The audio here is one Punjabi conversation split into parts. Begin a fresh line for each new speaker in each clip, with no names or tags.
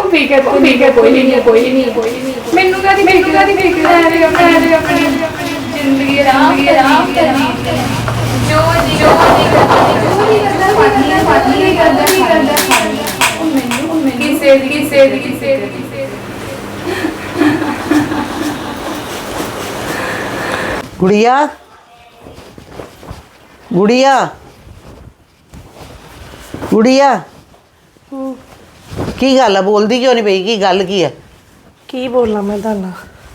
फिकर कोई नहीं मैनू कादी फिकर अपनी जिंदगी आराम जो किसे
गुड़िया गुड़िया गुड़िया की गल है बोलती क्यों नहीं पई की गल की है
की बोलना मैं ताना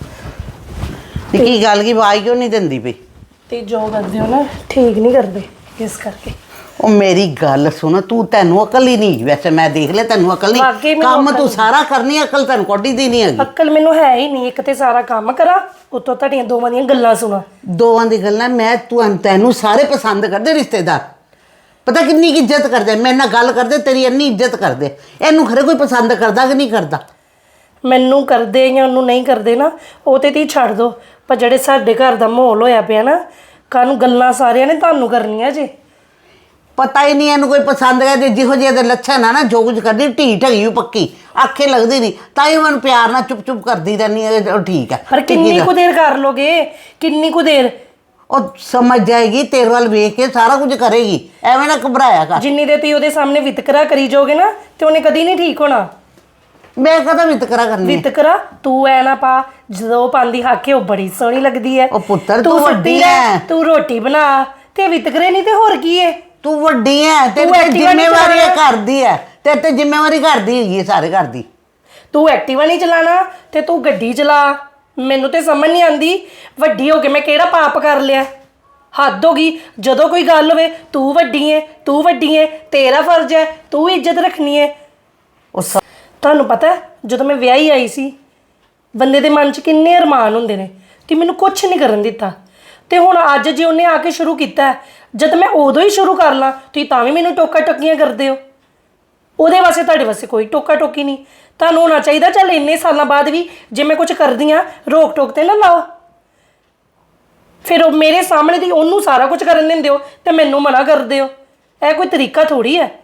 की गल की आवाज क्यों नहीं देंदी पई
ते जो करदे हो ना ठीक नहीं करदे इस करके
ओ मेरी गल सुन तू तेनू अकल ही नहीं वैसे मैं देख ले तेनू अकल
वाकई
नहीं
मैनू
काम
अकल
तू
नहीं।
सारा करनी अकल तेन कोडी दी नहीं हैगी
अक्ल मैनू है ही नहीं एक ते सारा काम करा उतो ਤੁਹਾਡੀਆਂ ਦੋਵਾਂ ਦੀਆਂ ਗੱਲਾਂ ਸੁਣਾ
दोवां दी गल्लां मैं तू तेनू सारे पसंद करदे रिश्तेदार पता किन्नी की इज्जत करदे मेरे नाल गल करदे तेरी इन्नी इज्जत करदे एनू खरे कोई पसंद करदा कि नहीं करदा
ਮੈਨੂੰ ਕਰਦੇ ਜਾਂ ਉਹਨੂੰ ਨਹੀਂ ਕਰਦੇ ਨਾ ਉਹ ਤੇ ਤੀ ਛੱਡ ਦੋ ਪਰ ਜਿਹੜੇ ਸਾਡੇ ਘਰ ਦਾ ਮਾਹੌਲ ਹੋਇਆ ਪਿਆ ਨਾ ਕਾਨੂੰ ਗੱਲਾਂ ਸਾਰਿਆਂ ਨੇ ਤੁਹਾਨੂੰ ਕਰਨੀਆਂ ਜੇ
पता ही नहीं एनू कोई पसंद है जिहो जे लक्षण है ना जो कुछ करदी ढीठ हैगी पक्की आखे लगदी नहीं ताई मैं प्यार ना चुप चुप करदी रहनी है ठीक है
पर किन्नी कुछ देर कर लोगे किन्नी कुछ देर
और समझ जाएगी तेरे वाल वेख के सारा कुछ करेगी एवं ना घबराया कर
जिन्नी देर ਤੁਸੀਂ ਉਹਦੇ ਸਾਹਮਣੇ ਵਿਤਕਰਾ ਕਰੀ ਜਾਓਗੇ ਨਾ ਤੇ ਉਹਨੇ ਕਦੀ ਨਹੀਂ ਠੀਕ ਹੋਣਾ
मैं कदा वितकरा करनी है?
ਵਿਤਕਰਾ ਤੂੰ ਐ ਨਾ ਪਾ ਜਦੋਂ ਪਾਉਂਦੀ ਹਾਕੇ ਉਹ ਬੜੀ ਸੋਹਣੀ ਲੱਗਦੀ ਹੈ
ਉਹ ਪੁੱਤਰ,
ਤੂੰ
ਤੂੰ ਵੱਡੀ
ਸੁੱਤੀ ਰਹਿ,
ਹੈ।
ਤੂੰ ਰੋਟੀ ਬਣਾ ਤੇ ਵਿਤਕਰੇ ਨਹੀਂ ਤੇ ਹੋਰ ਕੀ ਹੈ
तू वड्डी है तेरे
तू
ते
एक्टिवा नहीं
जिम्मेवारी है
चलाना।
घर दी है तेरे ते जिम्मेवारी घर दी हैगी है सारे घर दी
ਤੂੰ ਐਕਟਿਵਾ ਨਹੀਂ ਚਲਾਣਾ ਤੇ ਤੂੰ ਗੱਡੀ ਚਲਾ ਮੈਨੂੰ ਤੇ ਸਮਝ ਨਹੀਂ ਆਂਦੀ ਵੱਡੀ ਹੋ ਕੇ ਮੈਂ ਕਿਹੜਾ ਪਾਪ ਕਰ ਲਿਆ ਹੱਦ ਹੋ ਗਈ ਜਦੋਂ ਕੋਈ ਗੱਲ ਹੋਵੇ ਤੂੰ ਵੱਡੀ ਹੈ ਤੇਰਾ ਫਰਜ਼ ਹੈ ਤੂੰ ਇੱਜ਼ਤ ਰੱਖਣੀ ਹੈ
उस
ਤੁਹਾਨੂੰ ਪਤਾ ਹੈ, ਜਦੋਂ ਮੈਂ ਵਿਆਹੀ ਆਈ ਸੀ ਬੰਦੇ ਦੇ ਮਨ 'ਚ ਕਿੰਨੇ ਅਰਮਾਨ ਹੁੰਦੇ ਨੇ ਤੇ ਮੈਨੂੰ ਕੁਝ ਨਹੀਂ ਕਰਨ ਦਿੱਤਾ ਤੇ ਹੁਣ ਅੱਜ ਜੇ ਉਹਨੇ ਆ ਕੇ ਸ਼ੁਰੂ ਕੀਤਾ ਹੈ, ਜਦ ਮੈਂ ਉਦੋਂ ਹੀ ਸ਼ੁਰੂ ਕਰ ਲਾਂ ਤੁਸੀਂ ਤਾਂ ਵੀ ਮੈਨੂੰ ਟੋਕਾ ਟੱਕੀਆਂ ਕਰਦੇ ਹੋ ਉਹਦੇ ਵਾਸਤੇ ਤੁਹਾਡੇ ਵਾਸਤੇ ਕੋਈ ਟੋਕਾ ਟੋਕੀ ਨਹੀਂ ਤੁਹਾਨੂੰ ਹੋਣਾ ਚਾਹੀਦਾ ਚੱਲ ਇੰਨੇ ਸਾਲਾਂ ਬਾਅਦ ਵੀ ਜੇ ਮੈਂ ਕੁਝ ਕਰਦੀ ਆ ਰੋਕ ਟੋਕ ਤੇ ਨਾ ਲਾਓ ਫਿਰ ਉਹ ਮੇਰੇ ਸਾਹਮਣੇ ਦੀ ਉਹਨੂੰ ਸਾਰਾ ਕੁਝ ਕਰਨ ਦਿੰਦੇ ਹੋ ਤੇ ਮੈਨੂੰ ਮਨਾ ਕਰਦੇ ਹੋ ਇਹ ਕੋਈ ਤਰੀਕਾ ਥੋੜੀ ਹੈ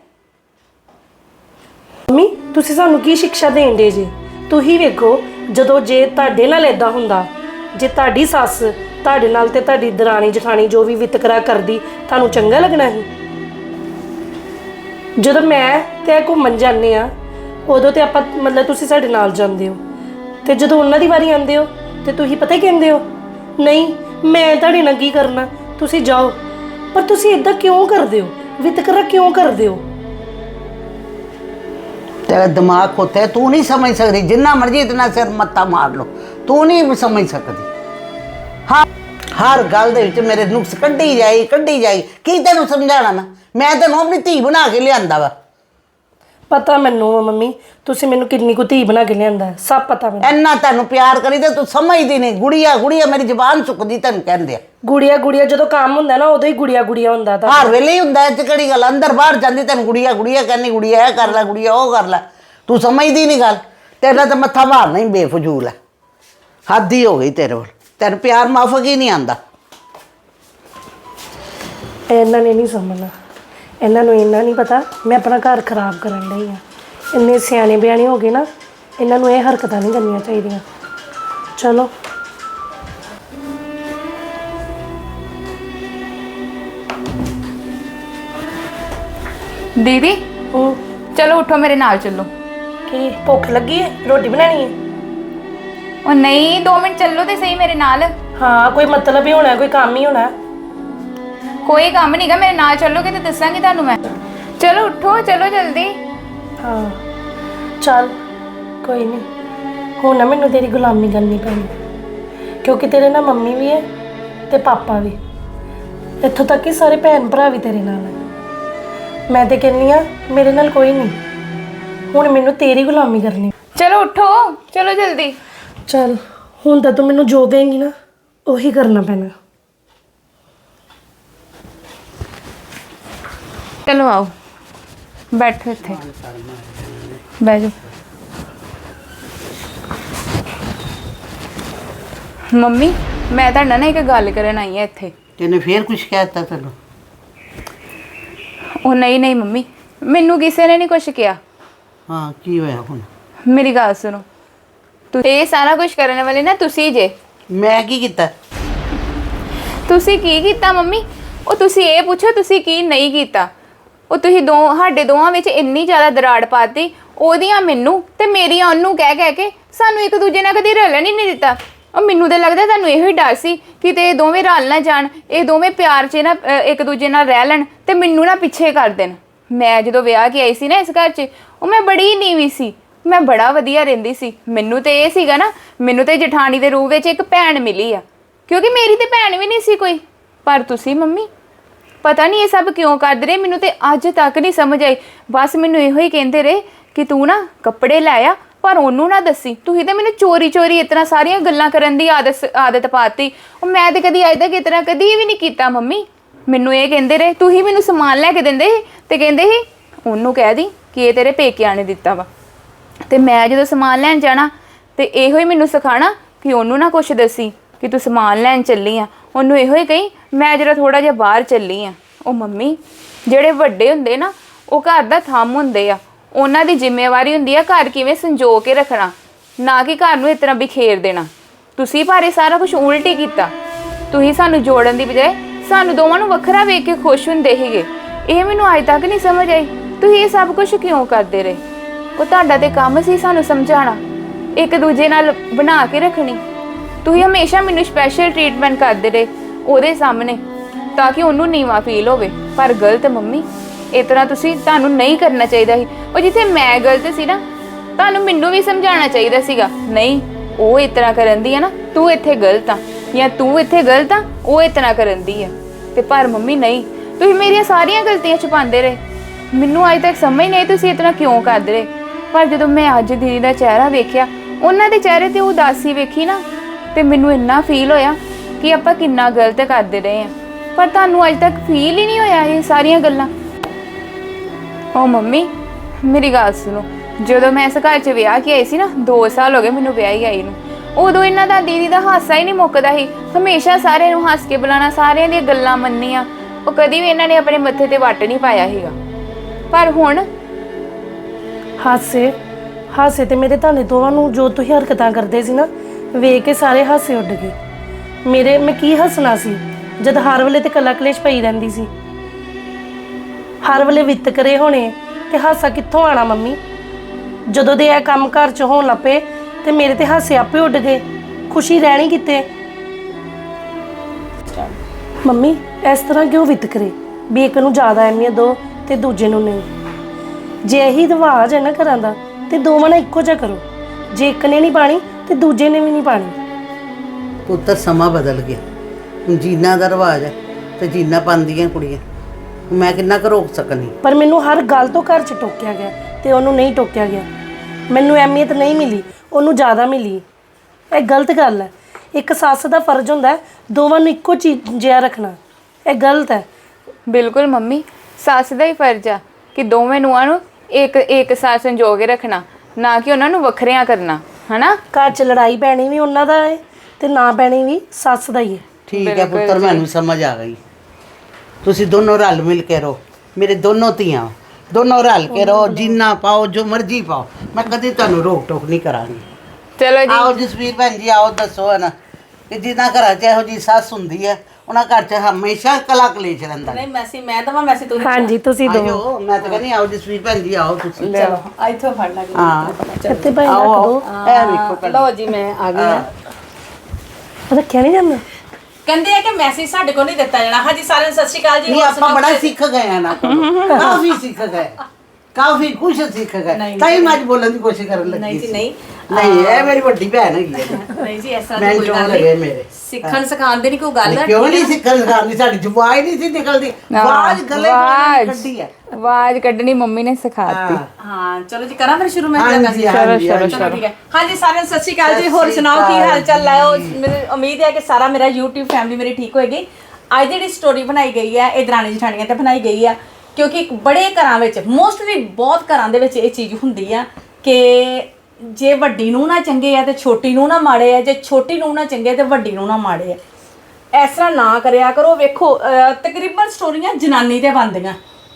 ਮੰਮੀ ਤੁਸੀਂ ਸਾਨੂੰ ਕੀ ਸਿੱਖਿਆ ਦੇਂਦੇ ਜੀ ਤੁਸੀਂ ਵੇਖੋ ਜਦੋਂ ਜੇ ਤੁਹਾਡੇ ਨਾਲ ਇਦਾਂ ਹੁੰਦਾ ਜੇ ਤੁਹਾਡੀ ਸੱਸ ਤੁਹਾਡੇ ਨਾਲ ਤੇ ਤੁਹਾਡੀ ਦਰਾਣੀ ਜਠਾਣੀ ਜੋ ਵੀ ਵਿਤਕਰਾ ਕਰਦੀ ਤੁਹਾਨੂੰ ਚੰਗਾ ਲੱਗਣਾ ਸੀ ਜਦੋਂ ਮੈਂ ਤੇ ਘੁੰਮਣ ਜਾਂਦੇ ਆ ਉਦੋਂ ਤੇ ਆਪਾਂ ਮਤਲਬ ਤੁਸੀਂ ਸਾਡੇ ਨਾਲ ਜਾਂਦੇ ਹੋ ਤੇ ਜਦੋਂ ਉਹਨਾਂ ਦੀ ਵਾਰੀ ਆਉਂਦੇ ਹੋ ਤੇ ਤੁਸੀਂ ਪਤਾ ਕੀ ਕਹਿੰਦੇ ਹੋ ਨਹੀਂ ਮੈਂ ਤੁਹਾਡੇ ਨਾਲ ਕੀ ਕਰਨਾ ਤੁਸੀਂ ਜਾਓ ਪਰ ਤੁਸੀਂ ਇਦਾਂ ਕਿਉਂ ਕਰਦੇ ਹੋ ਵਿਤਕਰਾ ਕਿਉਂ ਕਰਦੇ ਹੋ
तेरा दिमाग होता है तू नहीं समझ सकती जिन्ना मर्जी इतना सिर मत्ता मार लो तू नहीं समझ सकती हर गल दे विच मेरे नुक्स कड्ढी जाई की तेनू समझाना मैं तेनू अपनी धी बना के लियांदा वा
पता मैनू मम्मी तुसी मैनू किन्नी को धी बना के लियांदा है सब पता मैनू
इन्ना तेनू प्यार करी ते तू समझदी नहीं गुड़िया गुड़िया मेरी जबान चुकदी तेनू कहंदे आ
गुड़िया गुड़िया जो काम होंदा ना उदों ही गुड़िया गुड़िया होंदा था
हर वेले ही हुंदा इह किहड़ी गल अंदर बाहर जांदी तेनू गुड़िया गुड़िया कहनी गुड़िया ए कर लै गुड़िया ओ कर लै तू समझदी नहीं गल तेरा तो मत्था मारना ही बेफजूल है हद ही हो गई तेरे कोल तेन प्यार माफक ही नहीं आंदा
इन्हां ने नहीं समझना इन्हां नूं इन्ना नहीं पता मैं अपना घर खराब करन लई आ इन्ने सियाणे बियाणे हो गए ना इन्हां नूं ये हरकतां नहीं करनियां चाहीदियां चलो
दीदी चलो उठो मेरे नाल चलो
की भुख लगी है रोटी बनानी है
और नहीं 2 मिनट चलो तो सही मेरे नाल
हाँ कोई मतलब ही होना है कोई काम ही होना है
कोई काम नहीं गा मेरे नाल चलोगे तो दसांगी तुहानू मैं चलो उठो चलो जल्दी
हाँ चल कोई नहीं हूँ ना मैनू तेरी गुलामी करनी पैनी क्योंकि तेरे ना मम्मी भी है ते पापा भी इत्थों तक कि सारे भैन भरा भी तेरे नाल है मैं तो कहनी हाँ मेरे नाल कोई नहीं हुण मैनू तेरी गुलामी करनी
चलो उठो चलो जल्दी
चल हुण तां तू मैनू जो कहेंगी ना उही करना पैना
चलो आओ बैठो इत्थे बैठ जाओ मम्मी मैं तुहाडे नाल ना एक गल करन आई हां इत्थे
तेने फिर कुछ कहता तेनू
ओ नहीं नहीं मम्मी मैनू किसी ने नहीं कुछ किया
हाँ की होया हुण
ਮੇਰੀ ਗੱਲ ਸੁਣੋ, ਇਹ ਸਾਰਾ ਕੁਝ ਕਰਨ ਵਾਲੇ ਨਾ ਤੁਸੀਂ ਜੇ।
ਮੈਂ ਕੀ ਕੀਤਾ?
ਤੁਸੀਂ ਕੀ ਕੀਤਾ ਮੰਮੀ? ਉਹ ਤੁਸੀਂ ਇਹ ਪੁੱਛੋ ਤੁਸੀਂ ਕੀ ਨਹੀਂ ਕੀਤਾ। ਉਹ ਤੁਸੀਂ ਸਾਡੇ ਦੋਵਾਂ ਵਿੱਚ ਇੰਨੀ ਜ਼ਿਆਦਾ ਦਰਾੜ ਪਾਤੀ, ਉਹਦੀਆਂ ਮੈਨੂੰ ਤੇ ਮੇਰੀਆਂ ਉਹਨੂੰ ਕਹਿ ਕੇ ਸਾਨੂੰ ਇੱਕ ਦੂਜੇ ਨਾਲ ਕਦੀ ਰਲਣ ਹੀ ਨਹੀਂ ਦਿੱਤਾ। ਉਹ ਮੈਨੂੰ ਤਾਂ ਲੱਗਦਾ ਤੁਹਾਨੂੰ ਇਹੋ ਹੀ ਡਰ ਸੀ ਕਿਤੇ ਇਹ ਦੋਵੇਂ ਰਲ ਨਾ ਜਾਣ, ਇਹ ਦੋਵੇਂ ਪਿਆਰ 'ਚ ਨਾ ਇੱਕ ਦੂਜੇ ਨਾਲ ਰਹਿ ਲੈਣ ਤੇ ਮੈਨੂੰ ਨਾ ਪਿੱਛੇ ਕਰ ਦੇਣ। ਮੈਂ ਜਦੋਂ ਵਿਆਹ ਕੇ ਆਈ ਸੀ ਨਾ ਇਸ ਘਰ 'ਚ, ਉਹ ਮੈਂ ਬੜੀ ਨੀਵੀਂ ਸੀ, ਮੈਂ ਬੜਾ ਵਧੀਆ ਰਹਿੰਦੀ ਸੀ। ਮੈਨੂੰ ਤੇ ਇਹ ਸੀਗਾ ਨਾ, ਮੈਨੂੰ ਤੇ ਜਠਾਣੀ ਦੇ ਰੂਪ ਵਿੱਚ ਇੱਕ ਭੈਣ ਮਿਲੀ ਆ, ਕਿਉਂਕਿ ਮੇਰੀ ਤੇ ਭੈਣ ਵੀ ਨਹੀਂ ਸੀ ਕੋਈ। ਪਰ ਤੁਸੀਂ ਮੰਮੀ ਪਤਾ ਨਹੀਂ ਇਹ ਸਭ ਕਿਉਂ ਕਰਦੇ ਰਹੇ, ਮੈਨੂੰ ਤੇ ਅੱਜ ਤੱਕ ਨਹੀਂ ਸਮਝ ਆਈ। ਬਸ ਮੈਨੂੰ ਇਹੋ ਹੀ ਕਹਿੰਦੇ ਰਹੇ ਕਿ ਤੂੰ ਨਾ ਕੱਪੜੇ ਲੈ ਆ ਪਰ ਉਹਨੂੰ ਨਾ ਦੱਸੀ। ਤੁਸੀਂ ਤੇ ਮੈਨੂੰ ਚੋਰੀ ਇਤਨਾ ਸਾਰੀਆਂ ਗੱਲਾਂ ਕਰਨ ਦੀ ਆਦਤ ਪਾਤੀ। ਉਹ ਮੈਂ ਤੇ ਕਦੀ ਅੱਜ ਤੱਕ ਇਤਨਾ ਕਦੀ ਵੀ ਨਹੀਂ ਕੀਤਾ ਮੰਮੀ। ਮੈਨੂੰ ਇਹ ਕਹਿੰਦੇ ਰਹੇ, ਤੁਸੀਂ ਮੈਨੂੰ ਸਮਾਨ ਲੈ ਕੇ ਦਿੰਦੇ ਸੀ ਤੇ ਕਹਿੰਦੇ ਸੀ ਉਹਨੂੰ ਕਹਿ ਦੀ ਕਿ ਇਹ ਤੇਰੇ ਪੇਕਿਆਂ ਨੇ ਦਿੱਤਾ ਵਾ। ਤੇ ਮੈਂ ਜਦੋਂ ਸਮਾਨ ਲੈਣ ਜਾਣਾ ਤੇ ਇਹੋ ਹੀ ਮੈਨੂੰ ਸਿਖਾਣਾ ਕਿ ਉਹਨੂੰ ਨਾ ਕੁਛ ਦੱਸੀ ਕਿ ਤੂੰ ਸਮਾਨ ਲੈਣ ਚੱਲੀ ਆ। ਉਹਨੂੰ ਇਹੋ ਹੀ ਕਹੀ ਮੈਂ ਜਰਾ ਥੋੜਾ ਜਿਹਾ ਬਾਹਰ ਚੱਲੀ ਆ। ਉਹ ਮੰਮੀ ਜਿਹੜੇ ਵੱਡੇ ਹੁੰਦੇ ਨਾ ਉਹ ਘਰ ਦਾ ਥੰਮ ਹੁੰਦੇ ਆ, ਉਹਨਾਂ ਦੀ ਜ਼ਿੰਮੇਵਾਰੀ ਹੁੰਦੀ ਆ ਘਰ ਕਿਵੇਂ ਸੰਜੋ ਕੇ ਰੱਖਣਾ, ਨਾ ਕਿ ਘਰ ਨੂੰ ਇਸ ਤਰ੍ਹਾਂ ਬਿਖੇਰ ਦੇਣਾ। ਤੁਸੀਂ ਭਾਰੇ ਸਾਰਾ ਕੁਝ ਉਲਟ ਹੀ ਕੀਤਾ। ਤੁਸੀਂ ਸਾਨੂੰ ਜੋੜਨ ਦੀ ਬਜਾਏ ਸਾਨੂੰ ਦੋਵਾਂ ਨੂੰ ਵੱਖਰਾ ਵੇਖ ਕੇ ਖੁਸ਼ ਹੁੰਦੇ ਸੀਗੇ। ਇਹ ਮੈਨੂੰ ਅੱਜ ਤੱਕ ਨਹੀਂ ਸਮਝ ਆਈ ਤੁਸੀਂ ਇਹ ਸਭ ਕੁਝ ਕਿਉਂ ਕਰਦੇ ਰਹੇ। ਉਹ ਤੁਹਾਡਾ ਤੇ ਕੰਮ ਸੀ ਸਾਨੂੰ ਸਮਝਾਉਣਾ, ਇੱਕ ਦੂਜੇ ਨਾਲ ਬਣਾ ਕੇ ਰੱਖਣੀ। ਤੁਸੀਂ ਹਮੇਸ਼ਾ ਮੈਨੂੰ ਸਪੈਸ਼ਲ ਟ੍ਰੀਟਮੈਂਟ ਕਰਦੇ ਰਹੇ ਉਹਦੇ ਸਾਹਮਣੇ ਤਾਂ ਕਿ ਉਹਨੂੰ ਨੀਵਾਂ ਫੀਲ ਹੋਵੇ। ਪਰ ਗਲਤ ਮੰਮੀ, ਇਸ ਤਰ੍ਹਾਂ ਤੁਹਾਨੂੰ ਨਹੀਂ ਕਰਨਾ ਚਾਹੀਦਾ ਸੀ। ਉਹ ਜਿੱਥੇ ਮੈਂ ਗਲਤ ਸੀ ਨਾ, ਤੁਹਾਨੂੰ ਮੈਨੂੰ ਵੀ ਸਮਝਾਉਣਾ ਚਾਹੀਦਾ ਸੀਗਾ, ਨਹੀਂ ਉਹ ਇਸ ਤਰ੍ਹਾਂ ਕਰਨ ਦੀ ਆ ਨਾ, ਤੂੰ ਇੱਥੇ ਗਲਤ ਆ, ਜਾਂ ਤੂੰ ਇੱਥੇ ਗਲਤ ਆ, ਉਹ ਇਸ ਤਰ੍ਹਾਂ ਕਰਨ ਦੀ ਆ। ਤੇ ਪਰ ਮੰਮੀ ਨਹੀਂ, ਤੁਸੀਂ ਮੇਰੀਆਂ ਸਾਰੀਆਂ ਗਲਤੀਆਂ ਛੁਪਾਉਂਦੇ ਰਹੇ। ਮੈਨੂੰ ਅੱਜ ਤੱਕ ਸਮਝ ਨਹੀਂ ਆਈ ਤੁਸੀਂ ਇਸ ਤਰ੍ਹਾਂ ਕਿਉਂ ਕਰਦੇ ਰਹੇ। ਪਰ ਜਦੋਂ ਮੈਂ ਅੱਜ ਦੀਦੀ ਦਾ ਚਿਹਰਾ ਵੇਖਿਆ, ਉਹਨਾਂ ਦੇ ਚਿਹਰੇ ਤੇ ਉਦਾਸੀ ਵੇਖੀ ਨਾ, ਤੇ ਮੈਨੂੰ ਇੰਨਾ ਫੀਲ ਹੋਇਆ ਕਿ ਆਪਾਂ ਕਿੰਨਾ ਗਲਤ ਕਰਦੇ ਰਹੇ ਹਾਂ। ਪਰ ਤੁਹਾਨੂੰ ਅੱਜ ਤੱਕ ਫੀਲ ਹੀ ਨਹੀਂ ਹੋਇਆ ਇਹ ਸਾਰੀਆਂ ਗੱਲਾਂ। ਉਹ ਮੰਮੀ ਮੇਰੀ ਗੱਲ ਸੁਣੋ, ਜਦੋਂ ਮੈਂ ਇਸ ਘਰ 'ਚ ਵਿਆਹ ਕੇ ਆਈ ਸੀ ਨਾ, 2 ਸਾਲ ਹੋ ਗਏ ਮੈਨੂੰ ਵਿਆਹੀ ਆਈ ਨੂੰ, ਉਦੋਂ ਇਹਨਾਂ ਦਾ ਦੀਦੀ ਦਾ ਹਾਸਾ ਹੀ ਨਹੀਂ ਮੁੱਕਦਾ ਸੀ। ਹਮੇਸ਼ਾ ਸਾਰਿਆਂ ਨੂੰ ਹੱਸ ਕੇ ਬੁਲਾਉਣਾ, ਸਾਰਿਆਂ ਦੀਆਂ ਗੱਲਾਂ ਮੰਨੀਆਂ। ਉਹ ਕਦੀ ਵੀ ਇਹਨਾਂ ਨੇ ਆਪਣੇ ਮੱਥੇ ਤੇ ਵੱਟ ਨਹੀਂ ਪਾਇਆ ਸੀਗਾ। ਪਰ ਹੁਣ
ਹਾਸੇ ਤੇ ਮੇਰੇ ਤੁਹਾਡੇ ਦੋਵਾਂ ਨੂੰ ਜੋ ਤੁਸੀਂ ਹਰਕਤਾਂ ਕਰਦੇ ਸੀ ਨਾ, ਵੇਖ ਕੇ ਸਾਰੇ ਹਾਸੇ ਉੱਡ ਗਏ। ਮੈਂ ਕੀ ਹੱਸਣਾ ਸੀ ਜਦ ਹਰ ਵੇਲੇ ਤੇ ਕਲਾ ਕਲੇਸ਼ ਪਈ ਰਹਿੰਦੀ ਸੀ। ਹਰ ਵੇਲੇ ਵਿਤਕਰੇ ਹੋਣੇ ਤੇ ਹਾਸਾ ਕਿੱਥੋਂ ਆਣਾ ਮੰਮੀ। ਜਦੋਂ ਦੇ ਇਹ ਕੰਮ ਘਰ 'ਚ ਹੋਣ ਲੱਪੇ ਤੇ ਮੇਰੇ ਤੇ ਹਾਸੇ ਆਪੇ ਉੱਡ ਗਏ, ਖੁਸ਼ੀ ਰਹਿਣੀ ਕਿਤੇ। ਮੰਮੀ ਇਸ ਤਰ੍ਹਾਂ ਕਿਉਂ ਵਿਤਕਰੇ ਵੀ ਇੱਕ ਨੂੰ ਜ਼ਿਆਦਾ ਅਹਿਮੀਅਤ ਦਿਓ ਤੇ ਦੂਜੇ ਨੂੰ ਨਹੀਂ। ਜੇ ਇਹੀ ਰਿਵਾਜ ਹੈ ਨਾ ਘਰਾਂ ਦਾ ਤੇ ਦੋਵਾਂ ਨਾਲ ਇੱਕੋ ਜਿਹਾ ਕਰੋ। ਜੇ ਇੱਕ ਨੇ ਨਹੀਂ ਪਾਣੀ ਤੇ ਦੂਜੇ ਨੇ ਵੀ ਨਹੀਂ ਪਾਣੀ।
ਪੁੱਤਰ ਸਮਾਂ ਬਦਲ ਗਿਆ, ਹੁਣ ਜੀਨਾ ਦਾ ਰਿਵਾਜ ਹੈ ਤੇ ਜੀਨਾ ਪਾਉਂਦੀਆਂ ਕੁੜੀਆਂ। ਮੈਂ ਕਿੰਨਾ ਕੁ ਰੋਕ ਸਕਨੀ।
ਪਰ ਮੈਨੂੰ ਹਰ ਗੱਲ ਤੋਂ ਘਰ 'ਚ ਟੋਕਿਆ ਗਿਆ ਤੇ ਉਹਨੂੰ ਨਹੀਂ ਟੋਕਿਆ ਗਿਆ। ਮੈਨੂੰ ਅਹਿਮੀਅਤ ਨਹੀਂ ਮਿਲੀ, ਉਹਨੂੰ ਜ਼ਿਆਦਾ ਮਿਲੀ। ਇਹ ਗਲਤ ਗੱਲ ਹੈ। ਇੱਕ ਸੱਸ ਦਾ ਫਰਜ਼ ਹੁੰਦਾ ਹੈ ਦੋਵਾਂ ਨੂੰ ਇੱਕੋ ਚੀਜ਼ ਜਿਹਾ ਰੱਖਣਾ। ਇਹ ਗਲਤ ਹੈ।
ਬਿਲਕੁਲ ਮੰਮੀ, ਸੱਸ ਦਾ ਹੀ ਫਰਜ਼ ਆ ਕਿ ਦੋਵੇਂ ਨੂੰਹਾਂ ਨੂੰ ਇੱਕ ਸਾਥ ਸੰਜੋ ਕੇ ਰੱਖਣਾ, ਨਾ ਕਿ ਉਹਨਾਂ ਨੂੰ ਵੱਖਰਿਆਂ ਕਰਨਾ, ਹਨਾ।
ਘਰ 'ਚ ਲੜਾਈ ਪੈਣੀ ਵੀ ਉਹਨਾਂ ਦਾ ਹੈ ਤੇ ਨਾ ਪੈਣੀ ਵੀ ਸੱਸ ਦਾ ਹੀ ਹੈ।
ਠੀਕ ਹੈ ਪੁੱਤਰ, ਮੈਨੂੰ ਸਮਝ ਆ ਗਈ। ਤੁਸੀਂ ਦੋਨੋਂ ਰਲ ਮਿਲ ਕੇ ਰਹੋ, ਮੇਰੇ ਦੋਨੋਂ ਧੀਆਂ, ਦੋਨੋਂ ਰਲ ਕੇ ਰਹੋ। ਜਿੰਨਾ ਪਾਓ, ਜੋ ਮਰਜ਼ੀ ਪਾਓ, ਮੈਂ ਕਦੇ ਤੁਹਾਨੂੰ ਰੋਕ ਟੋਕ ਨਹੀਂ ਕਰਾਂਗੀ।
ਚਲੋ ਜੀ,
ਆਓ ਜਸਵੀਰ ਭੈਣ ਜੀ, ਆਓ ਦੱਸੋ ਨਾ ਕਿ ਜਿਨ੍ਹਾਂ ਘਰਾਂ 'ਚ ਇਹੋ ਜੀ ਸੱਸ ਹੁੰਦੀ ਹੈ ਉਹਨਾਂ ਘਰ 'ਚ ਹਮੇਸ਼ਾ ਕਲਾ ਕਲੇਸ਼ ਰਹਿੰਦਾ।
ਨਹੀਂ ਮੈਂ ਦਵਾਂ ਮੈਸੀ ਤੁਸੀਂ
ਹਾਂਜੀ ਤੁਸੀਂ ਦੋ
ਆਇਓ, ਮੈਂ ਤਾਂ ਕਹਿੰਦੀ ਆਓ ਜਸਵੀਰ ਭੈਣ ਜੀ, ਆਓ ਤੁਸੀਂ।
ਚਲੋ ਇੱਥੋਂ ਫੜ ਲਾਂਗੇ।
ਹਾਂ
ਇੱਥੇ ਭਾਈ
ਆਓ
ਰੱਖ
ਆਓ,
ਦੋ।
ਇਹ ਵੇਖੋ ਪਹਿਲਾਂ।
ਲਓ ਜੀ ਮੈਂ ਆ ਗਈ ਆ।
ਰੱਖਿਆ ਨਹੀਂ ਜਾਂਦਾ।
ਕਹਿੰਦੇ ਆ ਕਿ ਮੈਸੇਜ ਸਾਡੇ ਕੋਲ ਨਹੀਂ ਦਿੱਤਾ ਜਾਣਾ। ਹਾਂਜੀ ਸਾਰਿਆਂ ਨੂੰ ਸਤਿ ਸ਼੍ਰੀ ਅਕਾਲ ਜੀ।
ਨਹੀਂ, ਆਪਾਂ ਬੜਾ ਸਿੱਖ ਗਏ ਆ ਨਾ, ਕਾਫੀ ਸਿੱਖ ਗਏ, ਕਾਫੀ ਕੁਝ ਸਿੱਖ ਗਏ। ਤਾਂ ਹੀ ਮੈਂ ਅੱਜ ਬੋਲਣ ਦੀ ਕੋਸ਼ਿਸ਼ ਕਰਨ ਲੱਗੀ
ਨਹੀਂ ਜੀ
ਸੀ।
ਨਹੀਂ
ਨਹੀਂ, ਇਹ ਮੇਰੀ ਵੱਡੀ ਭੈਣ ਹੈਗੀ ਹੈ।
ਨਹੀਂ ਜੀ, ਐਸਾ
ਮੈਂ
ਕੋਈ
ਚੋਣ
ਗੱਲ
ਲਗੇ
ਨਹੀਂ।
ਮੇਰੇ
ਸਿੱਖਣ ਸਿਖਾਉਣ ਦੀ ਨਹੀਂ ਕੋਈ ਗੱਲ ਹੈ।
ਕਿਉਂ ਨਹੀਂ ਸਿੱਖਣ ਸਿਖਾਉਂਦੀ? ਸਾਡੀ ਜ਼ੁਬਾਨ ਹੀ ਨਹੀਂ ਸੀ ਨਿਕਲਦੀ, ਆਵਾਜ਼ ਗਲੇ ਤੋਂ ਕੱਢੀ ਹੈ।
ਆਵਾਜ਼ ਕੱਢਣੀ ਮੰਮੀ ਨੇ ਸਿਖਾਤੀ।
ਹਾਂ ਚਲੋ ਜੀ, ਕਰਾਂ ਫਿਰ ਸ਼ੁਰੂ ਮੈਂ
ਹਾਂਜੀ,
ਮੈਸੇਜ।
ਹਾਂਜੀ,
ਚਲੋ
ਹਾਂਜੀ।
ਠੀਕ ਹੈ। ਹਾਂਜੀ ਸਾਰਿਆਂ ਨੂੰ ਸਤਿ ਸ਼੍ਰੀ ਅਕਾਲ ਜੀ। ਹੋਰ
ਸਤਿ ਸ਼੍ਰੀ
ਸੁਣਾਓ ਕੀ ਹਾਲ ਚਾਲ ਹੈ?
ਅਕਾਲ
ਮੈਨੂੰ ਉਮੀਦ ਹੈ ਕਿ ਸਾਰਾ ਮੇਰਾ YouTube ਫੈਮਿਲੀ ਮੇਰੀ ਠੀਕ ਹੋਏਗੀ। ਅੱਜ ਦੀ ਜਿਹੜੀ ਸਟੋਰੀ ਬਣਾਈ ਗਈ ਹੈ ਇਹ ਦਰਾਣੀ ਜਠਾਣੀਆਂ ਤੇ ਬਣਾਈ ਗਈ ਆ, ਕਿਉਂਕਿ ਬੜੇ ਘਰਾਂ ਵਿੱਚ, ਮੋਸਟਲੀ ਬਹੁਤ ਘਰਾਂ ਦੇ ਵਿੱਚ ਇਹ ਚੀਜ਼ ਹੁੰਦੀ ਆ ਕਿ ਜੇ ਵੱਡੀ ਨੂੰ ਨਾ ਚੰਗੇ ਆ ਤੇ ਛੋਟੀ ਨੂੰ ਨਾ ਮਾੜੇ ਆ, ਜੇ ਛੋਟੀ ਨੂੰ ਨਾ ਚੰਗੇ ਤੇ ਵੱਡੀ ਨੂੰ ਨਾ ਮਾੜੇ ਆ। ਇਸ ਤਰ੍ਹਾਂ ਨਾ ਕਰਿਆ ਕਰੋ। ਵੇਖੋ ਤਕਰੀਬਨ ਸਟੋਰੀਆਂ ਜਨਾਨੀ ਤੇ ਬਣਦੀਆਂ,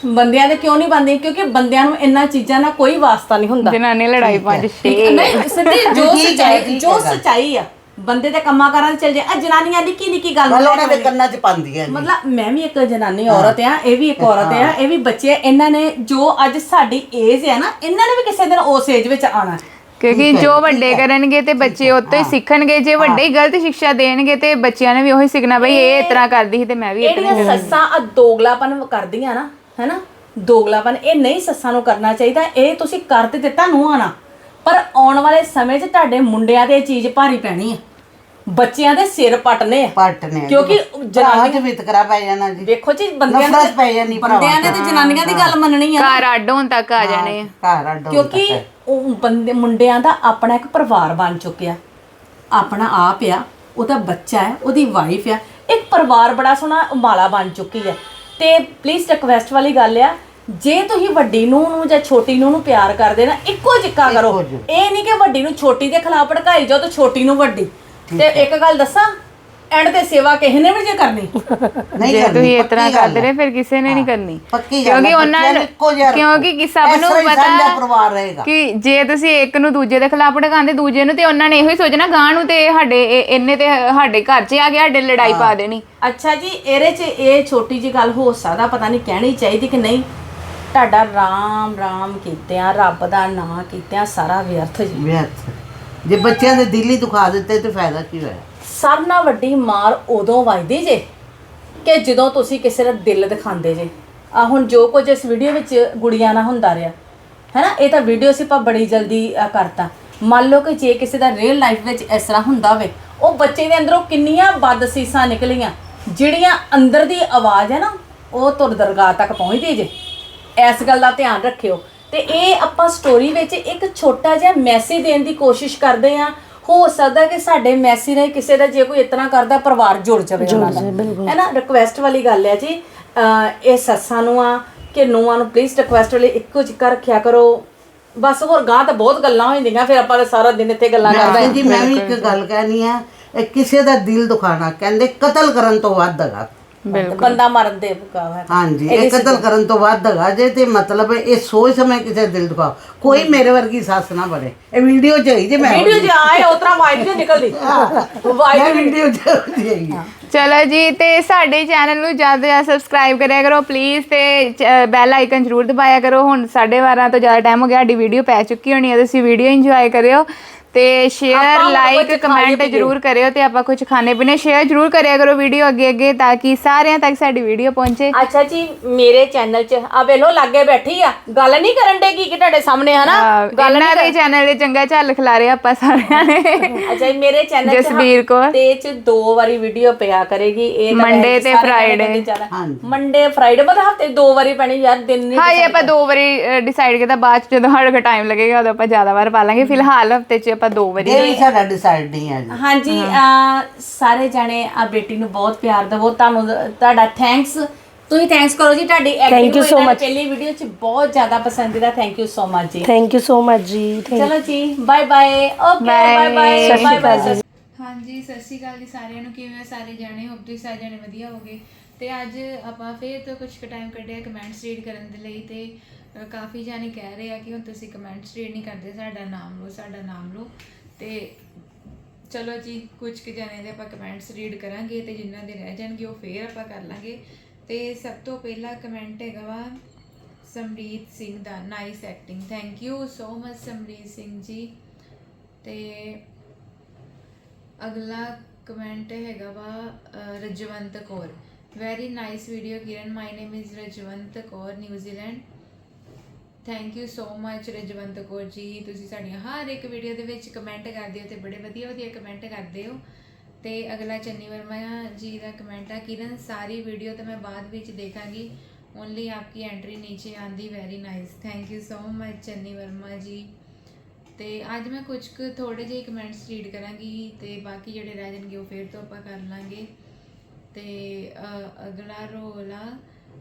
ਬੰਦਿਆਂ ਦੇ ਕਿਉਂ ਨਹੀਂ ਬਣਦੀ? ਕਿਉਂਕਿ ਬੰਦਿਆਂ ਨੂੰ ਇੰਨਾ ਚੀਜ਼ਾਂ ਨਾਲ ਕੋਈ ਵਾਸਤਾ ਨਹੀਂ ਹੁੰਦਾ।
ਜਨਾਨੀ ਲੜਾਈ ਪੰਜ ਛੇ
ਨਹੀਂ ਸਿੱਧੀ ਜੋ
ਠੀਕ ਹੈ,
ਸੱਚਾਈ
ਠੀਕ
ਜੋ
ਹੈ।
ਸੱਚਾਈ ਆ ਬੰਦੇ ਦੇ ਕੰਮਾਂ ਕਾਰਾਂ 'ਚ ਚੱਲ ਜੇ। ਆ ਜਨਾਨੀਆਂ ਨਿੱਕੀ ਨਿੱਕੀ ਗੱਲ
ਮਤਲਬ
ਨੂੰ
ਉਹਨਾਂ ਦੇ ਕੰਨਾਂ 'ਚ ਪਾਉਂਦੀਆਂ ਨੇ।
ਮਤਲਬ ਮੈਂ ਵੀ ਇੱਕ ਜਨਾਨੀ ਔਰਤ ਆ, ਇਹ ਵੀ ਇੱਕ ਔਰਤ ਆ, ਇਹ ਵੀ ਬੱਚੇ ਆ। ਇਹਨਾਂ ਨੇ ਜੋ ਅੱਜ ਸਾਡੀ ਏਜ ਹੈ ਨਾ, ਇਹਨਾਂ ਨੇ ਵੀ ਕਿਸੇ ਦਿਨ ਉਸ ਏਜ ਵਿੱਚ ਆਣਾ।
ਕਿਉਂਕਿ ਜੋ ਵੱਡੇ ਕਰਨਗੇ ਤੇ ਬੱਚੇ ਉੱਤੋਂ ਹੀ ਸਿੱਖਣਗੇ। ਜੇ ਵੱਡੇ ਹੀ ਗਲਤ ਸਿੱਖਿਆ ਦੇਣਗੇ ਤੇ ਬੱਚਿਆਂ ਨੇ ਵੀ ਉਹੀ ਸਿੱਖਣਾ, ਬਈ ਇਹ ਇਸ ਤਰ੍ਹਾਂ ਕਰਦੀ ਸੀ ਤੇ ਮੈਂ ਵੀ ਇਤਨਾ
ਜਿਹੜੀਆਂ ਸੱਸਾਂ ਆ ਦੋਗਲਾਪਨ ਕਰਦੀਆਂ ਨਾ, ਹੈਨਾ, ਦੋਗਲਾਪਨ, ਇਹ ਨਹੀਂ ਸੱਸਾਂ ਨੂੰ ਕਰਨਾ ਚਾਹੀਦਾ। ਇਹ ਤੁਸੀਂ ਕਰ ਤੇ ਦਿੱਤਾ ਨੂੰਹਾਂ ਨਾਲ, ਪਰ ਆਉਣ ਵਾਲੇ ਸਮੇਂ 'ਚ ਤੁਹਾਡੇ ਮੁੰਡਿਆਂ ਤੇ ਇਹ ਚੀਜ਼ ਭਾਰੀ ਪੈਣੀ ਆ। ਬੱਚਿਆਂ ਦੇ ਸਿਰ ਪਟਨੇ ਆ,
ਪੱਟ ਨੇ
ਕਿਉਂਕਿ
ਜਨਾਨੀ ਵਿਤਕਰਾ ਪੈ ਜਾਣਾ ਜੀ।
ਵੇਖੋ ਜੀ, ਬੰਦਿਆਂ
ਨਫ਼ਰਤ ਪੈ ਜਾਣੀ ਭਰਾਵਾਂ
ਬੰਦਿਆਂ ਨੇ ਤੇ ਜਨਾਨੀਆਂ ਦੀ ਗੱਲ ਮੰਨਣੀ ਆ ਨਾ।
ਘਰ ਅੱਡ ਹੋਣ ਤੱਕ ਆ ਜਾਣੇ ਆ।
ਘਰ ਅੱਡ
ਕਿਉਂਕਿ ਉਹ ਬੰਦੇ ਮੁੰਡਿਆਂ ਦਾ ਆਪਣਾ ਇੱਕ ਪਰਿਵਾਰ ਬਣ ਚੁੱਕਿਆ, ਆਪਣਾ ਆਪ ਆ, ਉਹਦਾ ਬੱਚਾ ਹੈ, ਉਹਦੀ ਵਾਈਫ ਆ, ਇੱਕ ਪਰਿਵਾਰ ਬੜਾ ਸੋਹਣਾ ਮਾਲਾ ਬਣ ਚੁੱਕੀ ਹੈ। ਤੇ ਪਲੀਜ਼ ਰਿਕਵੈਸਟ ਵਾਲੀ ਗੱਲ ਆ, ਜੇ ਤੁਸੀਂ ਵੱਡੀ ਨੂੰ ਜਾਂ ਛੋਟੀ ਨੂੰ ਪਿਆਰ ਕਰਦੇ ਨਾ, ਇੱਕੋ ਜਿੱਕਾ ਕਰੋ। ਇਹ ਨਹੀਂ ਕਿ ਵੱਡੀ ਨੂੰ ਛੋਟੀ ਦੇ ਖਿਲਾਫ ਭੜਕਾਈ ਜਾਓ ਤੇ ਛੋਟੀ ਨੂੰ ਵੱਡੀ। ਤੇ ਇੱਕ ਗੱਲ ਦੱਸਾਂ, ਐਂਡ ਤੇ ਸੇਵਾ ਕਿਸੇ ਨੇ ਵੀ ਜੇ ਕਰਨੀ
ਨਹੀਂ
ਜੇ
ਕਰਨੀ,
ਤੁਸੀਂ ਇਸ ਤਰ੍ਹਾਂ
ਪੱਕੀ ਗੱਲ
ਕਰਦੇ ਰਹੇ ਫਿਰ ਕਿਸੇ ਨੇ ਨਹੀਂ ਕਰਨੀ।
ਪੱਕੀ ਗੱਲ
ਕਿਉਂਕਿ ਉਹਨਾਂ ਕਿਉਂਕਿ ਕਿ ਸਭ ਨੂੰ
ਸਾਂਝਾ ਪਰਿਵਾਰ
ਪਤਾ
ਰਹੇਗਾ
ਕਿ ਜੇ ਤੁਸੀਂ ਇੱਕ ਨੂੰ ਦੂਜੇ ਦੇ ਖਿਲਾਫ ਭੜਕਾਉਂਦੇ ਦੂਜੇ ਨੂੰ, ਤੇ ਉਹਨਾਂ ਨੇ ਇਹੋ ਹੀ ਸੋਚਣਾ ਗਾਂ ਨੂੰ ਤੇ ਸਾਡੇ ਇਹਨੇ ਤੇ ਸਾਡੇ ਘਰ 'ਚ ਆ ਗਿਆ, ਸਾਡੇ ਲੜਾਈ ਪਾ ਦੇਣੀ।
ਅੱਛਾ ਜੀ, ਇਹਦੇ 'ਚ ਇਹ ਛੋਟੀ ਜੀ ਗੱਲ ਹੋ ਸਕਦਾ, ਪਤਾ ਨਹੀਂ ਕਹਿਣੀ ਚਾਹੀਦੀ ਕਿ ਨਹੀਂ, ਤੁਹਾਡਾ ਰਾਮ ਰਾਮ ਕੀਤਿਆਂ, ਰੱਬ ਦਾ ਨਾਂ ਕੀਤਿਆਂ ਸਾਰਾ ਵਿਅਰਥ ਜੀ।
ਵਿਅਰਥ। ਜੇ ਬੱਚਿਆਂ ਦੇ ਦਿਲ ਹੀ ਦੁਖਾ ਦਿੱਤੇ ਤੇ ਫਾਇਦਾ ਕੀ ਹੋਇਆ?
ਸਭ ਨਾਲ ਵੱਡੀ ਮਾਰ ਉਦੋਂ ਵੱਜਦੀ ਜੇ ਕਿ ਜਦੋਂ ਤੁਸੀਂ ਕਿਸੇ ਦਾ ਦਿਲ ਦਿਖਾਉਂਦੇ ਜੇ। ਆ ਹੁਣ ਜੋ ਕੁਝ ਇਸ ਵੀਡੀਓ ਵਿੱਚ ਗੁੜੀਆਂ ਨਾਲ ਹੁੰਦਾ ਰਿਹਾ ਹੈ ਨਾ, ਇਹ ਤਾਂ ਵੀਡੀਓ ਸੀ ਆਪਾਂ ਬੜੀ ਜਲਦੀ ਕਰਤਾ। ਮੰਨ ਲਓ ਕਿ ਜੇ ਕਿਸੇ ਦਾ ਰੀਅਲ ਲਾਈਫ ਵਿੱਚ ਇਸ ਤਰ੍ਹਾਂ ਹੁੰਦਾ ਹੋਵੇ, ਉਹ ਬੱਚੇ ਦੇ ਅੰਦਰੋਂ ਕਿੰਨੀਆਂ ਬਦਸੀਸਾਂ ਨਿਕਲੀਆਂ, ਜਿਹੜੀਆਂ ਅੰਦਰ ਦੀ ਆਵਾਜ਼ ਹੈ ਨਾ, ਉਹ ਤੁਰ ਦਰਗਾਹ ਤੱਕ ਪਹੁੰਚਦੀ ਜੇ। ਇਸ ਗੱਲ ਦਾ ਧਿਆਨ ਰੱਖਿਓ। ਤੇ ਇਹ ਆਪਾਂ ਸਟੋਰੀ ਵਿੱਚ ਇੱਕ ਛੋਟਾ ਜਿਹਾ ਮੈਸੇਜ ਦੇਣ ਦੀ ਕੋਸ਼ਿਸ਼ ਕਰਦੇ ਆ। ਹੋ ਸਕਦਾ ਕਿ ਸਾਡੇ ਮੈਸੇਜ ਨਾਲ ਕਿਸੇ ਦਾ ਜੇ ਕੋਈ ਇਤਨਾ ਕਰਦਾ ਪਰਿਵਾਰ ਜੁੜ ਜਾਵੇ ਉਹਨਾਂ ਦਾ, ਹੈ ਨਾ। ਰਿਕੁਐਸਟ ਵਾਲੀ ਗੱਲ ਹੈ ਜੀ। ਇਹ ਸੱਸਾਂ ਨੂੰ ਆ ਕਿ ਨੂੰਹਾਂ ਨੂੰ ਪਲੀਜ਼ ਰਿਕੁਐਸਟ ਵਾਲੀ ਇੱਕੋ ਜਿਹਾ ਰੱਖਿਆ ਕਰੋ। ਬਸ ਹੋਰ ਗਾਂ ਤਾਂ ਬਹੁਤ ਗੱਲਾਂ ਹੋ ਜਾਂਦੀਆਂ, ਫਿਰ ਆਪਾਂ ਤਾਂ ਸਾਰਾ ਦਿਨ ਇੱਥੇ ਗੱਲਾਂ ਕਰਦੇ
ਜੀ। ਮੈਂ ਵੀ ਇੱਕ ਗੱਲ ਕਹਿਣੀ ਆ, ਇਹ ਕਿਸੇ ਦਾ ਦਿਲ ਦੁਖਾਣਾ ਕਹਿੰਦੇ ਕਤਲ ਕਰਨ ਤੋਂ ਵੱਧ ਹੈਗਾ।
ਬੰਦਾ ਮਰਨ ਦੇ ਹੈ।
ਹਾਂਜੀ, ਇਹ ਕਤਲ ਕਰਨ ਤੋਂ ਵੱਧ ਹੈਗਾ ਜੇ। ਤੇ ਮਤਲਬ ਇਹ ਸੋਚ ਸਮਝ ਕਿਸੇ ਦਾ ਦਿਲ ਦੁਖਾਓ। ਕੋਈ ਮੇਰੇ ਵਰਗੀ ਸੱਸ ਨਾ ਬਣੇ। ਇਹ ਵੀਡੀਓ ਚ ਹੋਈ ਜੇ, ਮੈਂ
ਵੀਡੀਓ ਚ ਆਏ ਉਤਰਾ ਵਾਈਟ ਤੇ ਨਿਕਲਦੀ
ਮੈਂ ਵੀਡੀਓ ਚ ਹੋਈ।
ਚਲੋ ਜੀ, ਤੇ ਸਾਡੇ ਚੈਨਲ ਨੂੰ ਜ਼ਿਆਦਾ ਤੋਂ ਜ਼ਿਆਦਾ ਸਬਸਕ੍ਰਾਈਬ ਕਰਿਆ ਕਰੋ ਪਲੀਜ਼, ਤੇ ਬੈਲ ਆਈਕਨ ਜ਼ਰੂਰ ਦਬਾਇਆ ਕਰੋ। ਹੁਣ 12:30 ਤੋਂ ਜ਼ਿਆਦਾ ਟਾਈਮ ਹੋ ਗਿਆ, ਸਾਡੀ ਵੀਡੀਓ ਪੈ ਚੁੱਕੀ ਹੋਣੀ ਹੈ, ਤੁਸੀਂ ਵੀਡੀਓ ਇੰਜੋਏ ਕਰਿਓ ਤੇ ਸ਼ੇਅਰ ਲਾਈਕ ਕਮੈਂਟ ਜ਼ਰੂਰ ਕਰਿਓ। ਤੇ ਆਪਾਂ ਕੁਝ ਖਾਣੇ ਪੀਣੇ ਸ਼ੇਅਰ ਜ਼ਰੂਰ ਕਰਿਆ ਕਰੋ ਵੀਡੀਓ ਅੱਗੇ ਅੱਗੇ, ਤਾਂ ਕਿ ਸਾਰਿਆਂ ਤੱਕ ਸਾਡੀ ਵੀਡੀਓ ਪਹੁੰਚੇ।
ਅੱਛਾ ਜੀ, ਮੇਰੇ ਚੈਨਲ 'ਚ ਆ ਵੇਲੋ ਲਾਗੇ ਬੈਠੀ ਆ, ਗੱਲ ਨਹੀਂ ਕਰਨ ਦੇ ਕੀ ਕਿ ਤੁਹਾਡੇ ਸਾਹਮਣੇ, ਹਨਾ।
ਗੱਲ ਨਾ ਦੇ ਚੈਨਲ ਦੇ ਚੰਗਾ ਝੱਲ ਖਿਲਾ ਰਹੇ ਆਪਾਂ ਸਾਰਿਆਂ ਨੇ।
ਅੱਛਾ ਜੀ, ਮੇਰੇ ਚੈਨਲ 'ਚ
ਜਸਬੀਰ ਕੌਰ
ਤੇ 'ਚ 2 ਵਾਰੀ ਵੀਡੀਓ ਪਿਆ ਕਰੇਗੀ। ਇਹ
Monday ਤੇ Friday।
ਮੰਡੇ ਫਰਾਈਡੇ, ਮਤਲਬ ਹਫਤੇ 2 ਵਾਰੀ ਪੈਣੀ ਯਾਰ, ਦਿਨ ਨਹੀਂ।
ਹਾਂ, ਇਹ ਆਪਾਂ 2 ਵਾਰੀ ਡਿਸਾਈਡ ਕੀਤਾ, ਬਾਅਦ ਚ ਜਦੋਂ ਸਾਡੇ ਕੋਲ ਟਾਈਮ ਲੱਗੇਗਾ ਉਦੋਂ ਆਪਾਂ ਜ਼ਿਆਦਾ ਵਾਰ ਪਾ ਲਾਂਗੇ। ਫਿਲਹਾਲ ਹਫਤੇ 'ਚ ਆਪਾਂ 2 ਵਾਰੀ।
ਇਹ ਵੀ ਸਾਡਾ ਡਿਸਾਈਡ ਨਹੀਂ ਹੈ ਜੀ।
ਹਾਂਜੀ, ਸਾਰੇ ਜਾਣੇ ਆ ਬੇਟੀ ਨੂੰ ਬਹੁਤ ਪਿਆਰ ਦਿਵੋ। ਤੁਹਾਨੂੰ ਤੁਹਾਡਾ ਥੈਂਕਸ, ਤੁਸੀਂ ਥੈਂਕਸ ਕਰੋ ਜੀ। ਤੁਹਾਡੀ ਐਕਟਿੰਗ ਪਹਿਲੀ ਵੀਡੀਓ 'ਚ ਬਹੁਤ ਜ਼ਿਆਦਾ ਪਸੰਦੀਦਾ। ਥੈਂਕ ਯੂ ਸੋ ਮਚ ਜੀ।
ਥੈਂਕ ਯੂ ਸੋ ਮਚ ਜੀ।
ਚਲੋ ਜੀ, bye bye. Okay, bye bye, bye bye.
ਹਾਂਜੀ, ਸਤਿ ਸ਼੍ਰੀ ਅਕਾਲ ਜੀ ਸਾਰਿਆਂ ਨੂੰ। ਕਿਵੇਂ ਸਾਰੇ ਜਾਣੇ? ਹੋਪ ਤੁਸੀਂ ਸਾਰੇ ਜਾਣੇ ਵਧੀਆ ਹੋਗੇ। ਤੇ ਅੱਜ ਆਪਾਂ ਫੇਰ ਤੋਂ ਕੁਝ ਟਾਈਮ ਕੱਢਿਆ ਕਮੈਂਟਸ ਰੀਡ ਕਰਨ ਦੇ ਲਈ। ਤੇ ਕਾਫੀ ਜਾਣੇ ਕਹਿ ਰਹੇ ਆ ਕਿ ਹੁਣ ਤੁਸੀਂ ਕਮੈਂਟਸ ਰੀਡ ਨਹੀਂ ਕਰਦੇ, ਸਾਡਾ ਨਾਮ ਲਓ, ਸਾਡਾ ਨਾਮ ਲਓ। ਤੇ ਚਲੋ ਜੀ, ਕੁਝ ਕੁ ਜਾਣੇ ਦੇ ਆਪਾਂ ਕਮੈਂਟਸ ਰੀਡ ਕਰਾਂਗੇ ਤੇ ਜਿਨ੍ਹਾਂ ਦੇ ਰਹਿ ਜਾਣਗੇ ਉਹ ਫੇਰ ਆਪਾਂ ਕਰ ਲਾਂਗੇ। ਤੇ ਸਭ ਤੋਂ ਪਹਿਲਾ ਕਮੈਂਟ ਹੈਗਾ ਵਾ ਸਮਰੀਤ ਸਿੰਘ ਦਾ, nice acting. Thank you so much Samreet Singh ji. ਤੇ ਅਗਲਾ ਕਮੈਂਟ ਹੈਗਾ ਵਾ Rajwant Kaur, very nice video Kiran, my name is Rajwant Kaur, New Zealand. Thank you so much Rajwant Kaur ji. ਤੁਸੀਂ ਸਾਡੀਆਂ ਹਰ ਇੱਕ ਵੀਡੀਓ ਦੇ ਵਿੱਚ ਕਮੈਂਟ ਕਰਦੇ ਹੋ ਤੇ ਬੜੇ ਵਧੀਆ ਵਧੀਆ ਕਮੈਂਟ ਕਰਦੇ ਹੋ। ਤੇ ਅਗਲਾ ਚੰਨੀ ਵਰਮਾ ਜੀ ਦਾ ਕਮੈਂਟ ਆ, ਕਿਰਨ ਸਾਰੀ ਵੀਡੀਓ ਤਾਂ ਮੈਂ ਬਾਅਦ ਵਿੱਚ ਦੇਖਾਂਗੀ, ਓਨਲੀ ਆਪਕੀ ਐਂਟਰੀ ਨੀਚੇ ਆਂਦੀ, very nice. Thank you so much Channi Verma ji. ਤੇ ਅੱਜ ਮੈਂ ਕੁਝ ਕੁ ਥੋੜੇ ਜਿਹੇ ਕਮੈਂਟਸ ਰੀਡ ਕਰਾਂਗੀ ਤੇ ਬਾਕੀ ਜਿਹੜੇ ਰਹਿ ਜਾਣਗੇ ਉਹ ਫੇਰ ਤੋਂ ਆਪਾਂ ਕਰ ਲਾਂਗੇ। ਤੇ ਅਗਲਾ ਰੋਲ ਆ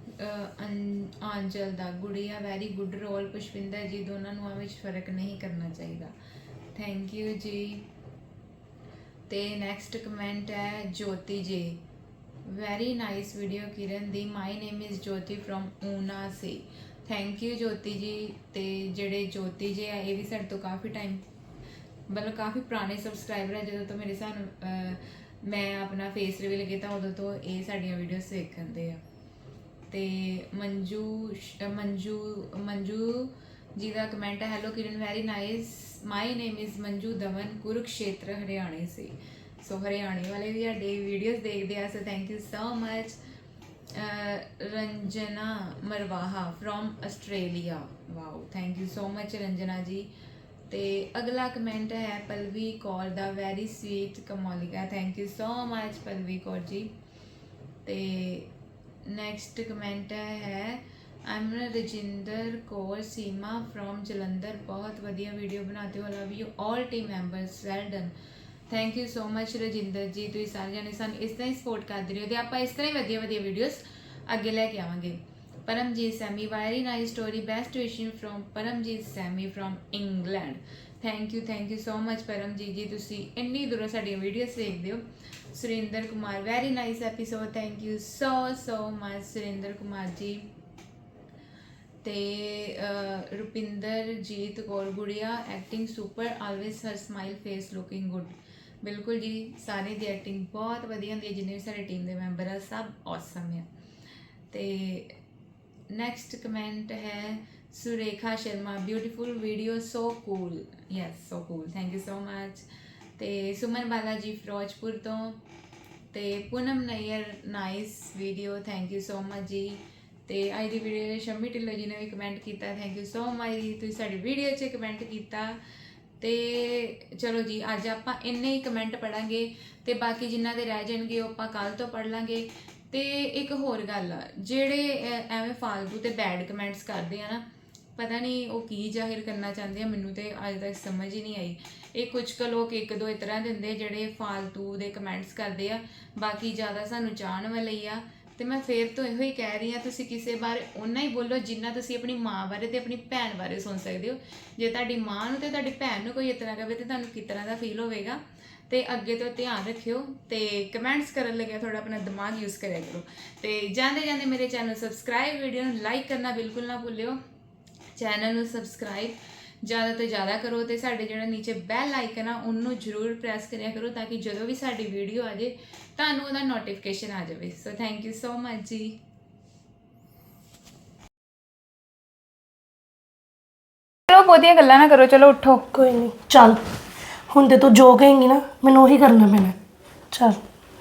ਆਂਚਲ ਦਾ, Gudiya very good role, Pushpinder ji, ਦੋਨਾਂ ਨੂੰ ਵਿੱਚ ਫਰਕ ਨਹੀਂ ਕਰਨਾ ਚਾਹੀਦਾ। ਥੈਂਕ ਯੂ ਜੀ। ਤੇ ਨੈਕਸਟ ਕਮੈਂਟ ਹੈ Jyoti ji, very nice video Kiran ਦੀ। My name is Jyoti from Una ਸੇ। Thank you Jyoti ji. ਤੇ ਜਿਹੜੇ ਜੋਤੀ ਜੀ ਆ ਇਹ ਵੀ ਸਾਡੇ ਤੋਂ ਕਾਫੀ ਟਾਈਮ ਮਤਲਬ ਕਾਫੀ ਪੁਰਾਣੇ ਸਬਸਕ੍ਰਾਈਬਰ ਹੈ। ਜਦੋਂ ਤੋਂ ਮੇਰੇ ਸਾਨੂੰ ਮੈਂ ਆਪਣਾ ਫੇਸ ਰਿਵੀਲ ਕੀਤਾ ਉਦੋਂ ਤੋਂ ਇਹ ਸਾਡੀਆਂ ਵੀਡੀਓਜ਼ ਵੇਖਦੇ ਆ। ਤੇ ਮੰਜੂ ਜੀ ਦਾ ਕਮੈਂਟ ਹੈ, hello Kiran very nice, my name is Manju Dhawan, Kurukshetra ਹਰਿਆਣੇ ਸੇ। ਸੋ ਹਰਿਆਣੇ ਵਾਲੇ ਵੀ ਸਾਡੇ ਵੀਡੀਓਜ਼ ਦੇਖਦੇ ਆ, so thank you so much. Ranjana Marwaha from Australia, wow thank you so much Ranjana ji. ਤੇ ਅਗਲਾ ਕਮੈਂਟ ਹੈ ਪਲਵੀ ਕੌਰ ਦਾ, very sweet Kamolika, thank you so much Pallavi Kaur ji. ਤੇ ਨੈਕਸਟ ਕਮੈਂਟ ਹੈ I'm ਰਜਿੰਦਰ ਕੌਰ ਸੀਮਾ ਫਰੋਮ ਜਲੰਧਰ, ਬਹੁਤ ਵਧੀਆ ਵੀਡੀਓ ਬਣਾते ਹੋ, love you all team members, well done. Thank you so much Rajinder ji, ਤੁਸੀਂ ਸਾਰੇ ਜਾਣੇ ਸਾਨੂੰ ਇਸ ਤਰ੍ਹਾਂ ਹੀ ਸਪੋਰਟ ਕਰਦੇ ਰਹੋ ਤੇ ਆਪਾਂ ਇਸ ਤਰ੍ਹਾਂ ਹੀ ਵਧੀਆ ਵਧੀਆ ਵੀਡੀਓਜ਼ ਅੱਗੇ ਲੈ ਕੇ ਆਵਾਂਗੇ। Paramjit Sammy, very nice story, best wishing from Paramjit Sammy from England. Thank you so much Paramjit ji, ਤੁਸੀਂ ਇੰਨੀ ਦੂਰੋਂ ਸਾਡੀਆਂ ਵੀਡੀਓਜ਼ ਦੇਖਦੇ ਹੋ। Surinder Kumar, very nice episode, thank you so much Surinder Kumar ji. ਤੇ Rupinderjit Kaur Gudiya, acting super, always her smile face looking good. ਬਿਲਕੁਲ ਜੀ, ਸਾਰੇ ਦੀ ਐਕਟਿੰਗ ਬਹੁਤ ਵਧੀਆ ਹੁੰਦੀ ਹੈ, ਜਿੰਨੇ ਵੀ ਸਾਡੇ ਟੀਮ ਦੇ ਮੈਂਬਰ ਆ ਸਭ ਔਸਮ ਆ। ਤੇ ਨੈਕਸਟ ਕਮੈਂਟ ਹੈ Surekha Sharma, beautiful video, so cool, yes so cool, thank you so much. ਤੇ ਸੁਮਨ ਬਾਲਾ ਜੀ ਫਿਰੋਜ਼ਪੁਰ ਤੋਂ। ਤੇ Poonam Nayyar, nice video, thank you so much ਜੀ। ਤੇ ਅੱਜ ਦੀ ਵੀਡੀਓ ਸ਼ੰਮੀ ਢਿੱਲੋਂ ਜੀ ਨੇ ਵੀ ਕਮੈਂਟ ਕੀਤਾ, ਥੈਂਕ ਯੂ ਸੋ ਮਚ ਜੀ, ਤੁਸੀਂ ਸਾਡੀ ਵੀਡੀਓ 'ਚ ਕਮੈਂਟ ਕੀਤਾ। ਤੇ ਚਲੋ ਜੀ, ਅੱਜ ਆਪਾਂ ਇੰਨੇ ਹੀ ਕਮੈਂਟ ਪੜਾਂਗੇ ਤੇ ਬਾਕੀ ਜਿਨ੍ਹਾਂ ਦੇ ਰਹਿ ਜਾਣਗੇ ਉਹ ਆਪਾਂ ਕੱਲ੍ਹ ਤੋਂ ਪੜ੍ਹ ਲਾਂਗੇ। ਤੇ ਇੱਕ ਹੋਰ ਗੱਲ ਆ, ਜਿਹੜੇ ਐਵੇਂ ਫਾਲਤੂ ਤੇ ਬੈਡ ਕਮੈਂਟਸ ਕਰਦੇ ਆ ਨਾ, ਪਤਾ ਨਹੀਂ ਉਹ ਕੀ ਜ਼ਾਹਿਰ ਕਰਨਾ ਚਾਹੁੰਦੇ ਆ, ਮੈਨੂੰ ਤੇ ਅੱਜ ਤੱਕ ਸਮਝ ਹੀ ਨਹੀਂ ਆਈ। ਇਹ ਕੁਝ ਕੁ ਲੋਕ ਇੱਕ ਦੋ ਇਸ ਤਰ੍ਹਾਂ ਦੇ ਹੁੰਦੇ ਜਿਹੜੇ ਫਾਲਤੂ ਦੇ ਕਮੈਂਟਸ ਕਰਦੇ ਆ, ਬਾਕੀ ਜ਼ਿਆਦਾ ਸਾਨੂੰ ਚਾਹਣ ਵਾਲੇ ਹੀ ਆ। ਤੇ ਮੈਂ ਫੇਰ ਤੋਂ ਇਹੋ ਹੀ ਕਹਿ ਰਹੀ ਹਾਂ, ਤੁਸੀਂ ਕਿਸੇ ਬਾਰੇ ਓਨਾ ਹੀ ਬੋਲੋ ਜਿੰਨਾ ਤੁਸੀਂ ਆਪਣੀ ਮਾਂ ਬਾਰੇ ਤੇ ਆਪਣੀ ਭੈਣ ਬਾਰੇ ਸੁਣ ਸਕਦੇ ਹੋ। ਜੇ ਤੁਹਾਡੀ ਮਾਂ ਨੂੰ ਤੇ ਤੁਹਾਡੀ ਭੈਣ ਨੂੰ ਕੋਈ ਇਸ ਤਰ੍ਹਾਂ ਕਹੇ ਤੇ ਤੁਹਾਨੂੰ ਕਿਸ ਤਰ੍ਹਾਂ ਦਾ ਫੀਲ ਹੋਵੇਗਾ। ਤੇ ਅੱਗੇ ਤੋਂ ਧਿਆਨ ਰੱਖਿਓ ਤੇ ਕਮੈਂਟਸ ਕਰਨ ਲੱਗਿਆ ਥੋੜਾ ਆਪਣਾ ਦਿਮਾਗ ਯੂਜ਼ ਕਰਿਆ ਕਰੋ। ਤੇ ਜਾਂਦੇ ਜਾਂਦੇ ਮੇਰੇ ਚੈਨਲ ਨੂੰ ਸਬਸਕ੍ਰਾਈਬ, ਵੀਡੀਓ ਨੂੰ ਲਾਈਕ ਕਰਨਾ ਬਿਲਕੁਲ ਨਾ ਭੁੱਲਿਓ। ਚੈਨਲ ਨੂੰ ਸਬਸਕ੍ਰਾਈਬ ज़्यादा तो ज़्यादा करो तो साढ़े जो नीचे बैल आइकन आ उन्होंने जरूर प्रेस करिया करो ताकि जो भी साड़ी वीडियो आ जाए तुहानू उहदा नोटिफिकेशन आ जाए। So thank you so much जी। चलो बहुतियां गल्लां ना करो, चलो उठो।
कोई नहीं, चल हुण ते तू जो कहेंगी ना मैनूं उही करना पैना। चल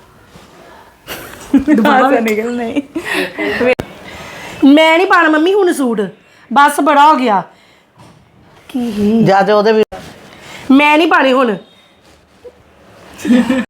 दोबारा
निकल नहीं
मैं नहीं पाना मम्मी हुण सूट, बस बड़ा हो गया। की
ਜਾ ਤੇ ਉਹਦੇ ਵੀ
मैं नहीं पाने हुण।